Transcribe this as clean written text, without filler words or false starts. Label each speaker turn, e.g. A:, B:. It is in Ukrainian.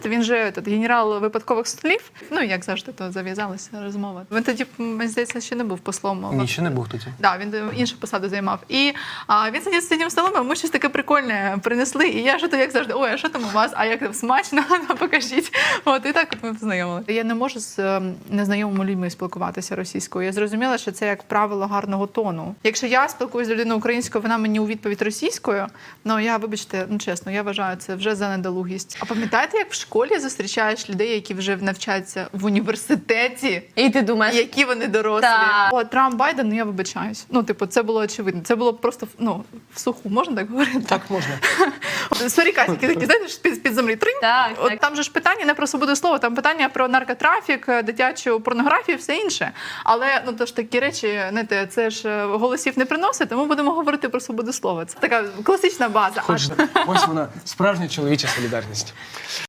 A: Він же генерал випадкових слів. Ну, як завжди, то зав'язалася розмова. Він тоді, мені здається, ще не був послом.
B: Ні, ще не був тоді.
A: Так, він іншу посаду займав. І він сидів з цим столом, а ми щось таке прикольне принесли. І я ж то, як завжди, ой, а що там у вас? А як там смачно? Покажіть. От, і так от ми познайомили. Я не можу з незнайомими людьми спілкуватися російською. Я зрозуміла, що це як правило гарного тону. Якщо я спілкуюся з людиною українською, вона мені у відповідь російською, ну я, вибачте, ну чесно, я вважаю, це вже за недолугість. А пам'ятаєте, як в школі зустрічаєш людей, які вже навчаються в університеті?
C: І ти думаєш,
A: Які вони дорослі.
C: Так.
A: О, Трамп, Байден, ну я вибачаюсь. Ну, типу, це було очевидно. Це було просто, ну, в суху, можна так говорити?
B: Так можна.
A: Сорікасики такі, знаєте, з-під землі. Тринь.
C: Так,
A: От
C: так.
A: там же ж питання не про свободу слова, там питання про наркотрафік, дитячу порнографію, все інше. Але, ну, то ж такі речі, знаєте, це ж голосів не приносить, тому будемо говорити про свободу слова. Це така класична база.
B: Ось вона, справжня чоловіча солідарність.